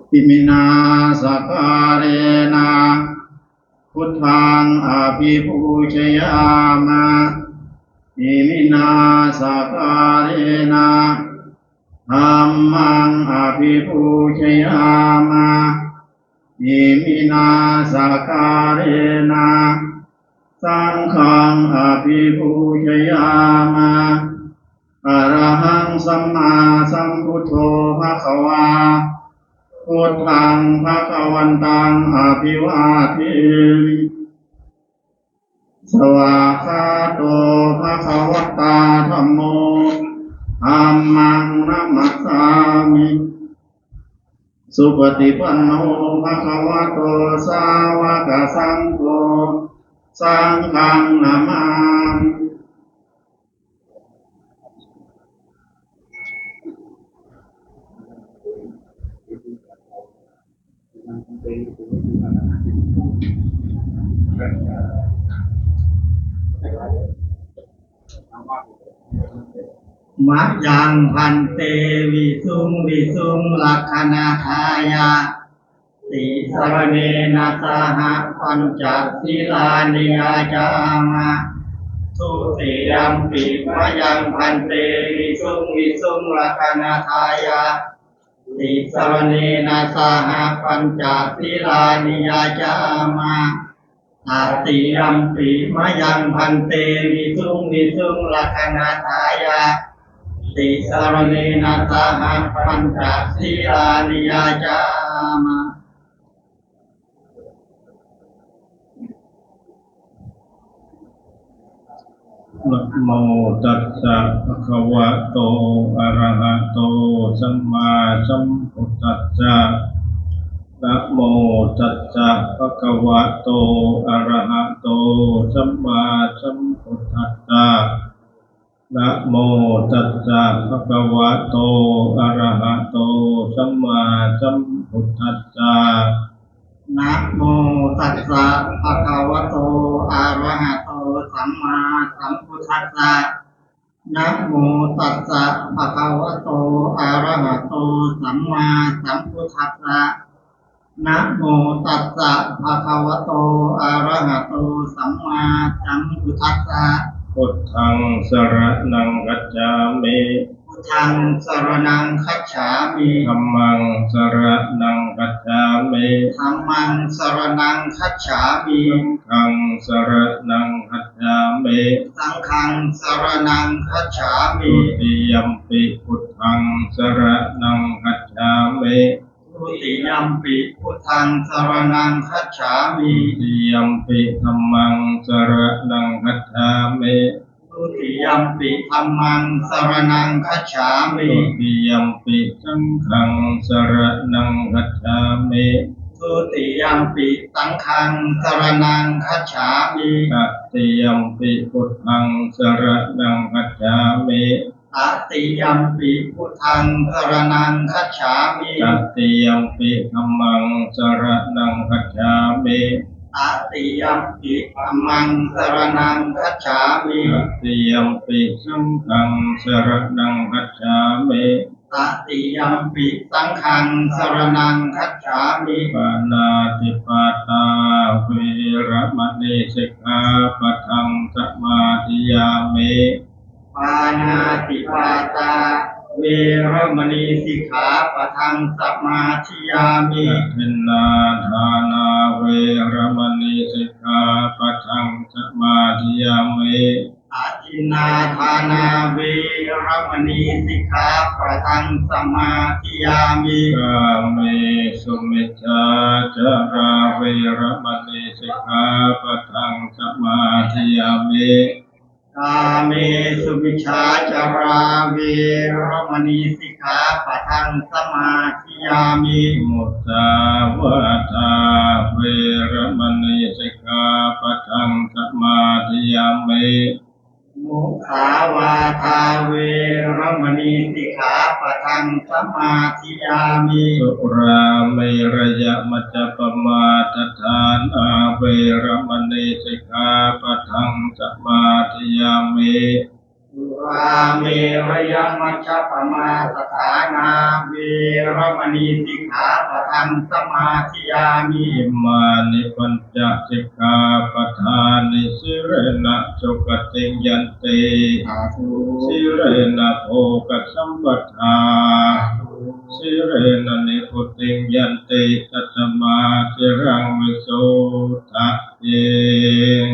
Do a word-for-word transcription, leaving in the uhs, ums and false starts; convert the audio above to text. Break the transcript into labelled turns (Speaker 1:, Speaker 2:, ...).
Speaker 1: อิมินาสการะนะพุทธังอภิปูชยามะอิมินาสการะนะธัมมังอภิปูชยามะอิมินาสการะนะสังฆังอภิปูชยามะอะระหังสัมมาสัมพุทโธภะคะวาพุทธังภะคะวันตังอภิวาเทมิสวากขาโตภะคะวตาธัมโมธัมมังนัมมัสสามิสุปฏิปันโนภะคะวะโตสาวกสังโฆสังฆังนามามิมะยังพันเตวิสุงวิสุงลักขณาทายาติสรเนนะสหปัญจศีลานิยาจามะทุติยัมปิมะยังพันเตวิสุงวิสุงลักขณาทายาติสรเนนะสหปัญจศีลานิยาจามะตติยัมปิมะยังพันเตวิสุงวิสุงลักขณาทายาติสรเนนะสหปัญจศีลานิยาจามะนะโมตัสสะภะคะวะโตอะระหะโตสัมมาสัมพุทธัสสะนะโมตัสสะภะคะวะโตอะระหะโตสัมมาสัมพุทธัสสะนะโมตัสสะภะคะวะโตอะระหะโตสัมมาสัมพุทธัสสะนะโมตัสสะภะคะวะโตอะระหะโตสัมมาสัมพุทธัสสะนะโมตัสสะภะคะวะโตอะระหะโตสัมมาสัมพุทธัสสะนะโมตัสสะภะคะวะโตอะระหะโตสัมมาสัมพุทธัสสะพุทธังสรณังคัจฉามิพุทธังสรณังคัจฉามิธัมมังสรณังคัจฉามิธัมมังสรณังคัจฉามิสังฆังสรณังคัจฉามิสังฆังสรณังคัจฉามิทุติยัมปิพุทธังสรณังคัจฉามิทุติยัมปิพุทธังสรณังคัจฉามิทุติยัมปิธัมมังสรณังคัจฉามิทุติยัมปิธัมมังสรณังคัจฉามิทุติยัมปิสังฆังสรณังคัจฉามิทุติยัมปิสังฆังสรณังคัจฉามิตติยัมปิพุทธังสรณังคัจฉามิตติยัมปิพุทธังสรณังคัจฉามิตติยัมปิธัมมังสรณังคัจฉามิตติยัมปิธัมมังสรณังคัจฉามิตติยัมปิสังฆังสรณังคัจฉามิตติยัมปิสังฆังสรณังคัจฉามิปานาติปาตาเวระมณีสิกขาปะทังสมาธิยามิปานาติปาตาเวระมณีสิกขาปะทังสมาธิยามิทินนาทานาเวระมณีสิกขาปะทังสมาธิยามิอาทินนาทานาเวระมณีสิกขาปะทังสมาธิยามิกาเมสุมิจฉาจาราเวระมณีสิกขาปะทังสมาธิยามิกาเมสุมิจฉาจาราเวระมณีสิกขาปะทังสมาธิยามิมุสาวาทาเวระมณีสิกขาปะทังสมาธิยามิมุสาวาทาเวระมณีสิกขาปะทังสมาธิยามิสุราเมรยมัจจปมาทฐานาเวระมณีสิกขาปะทังสมาธิยามิสุร
Speaker 2: วาเมระยะมัชฌปมาสถานาเวรมณีสิกขาปะทังสมาธิยามิ
Speaker 1: อิมานิปัญจสิกขาปทานิสิเรนะสุขติยันติ
Speaker 2: สาธุ
Speaker 1: สิเรนะโภคสัมปทาสิเรนะนิพุติยันติตัตมาสิรังวิโสทะเย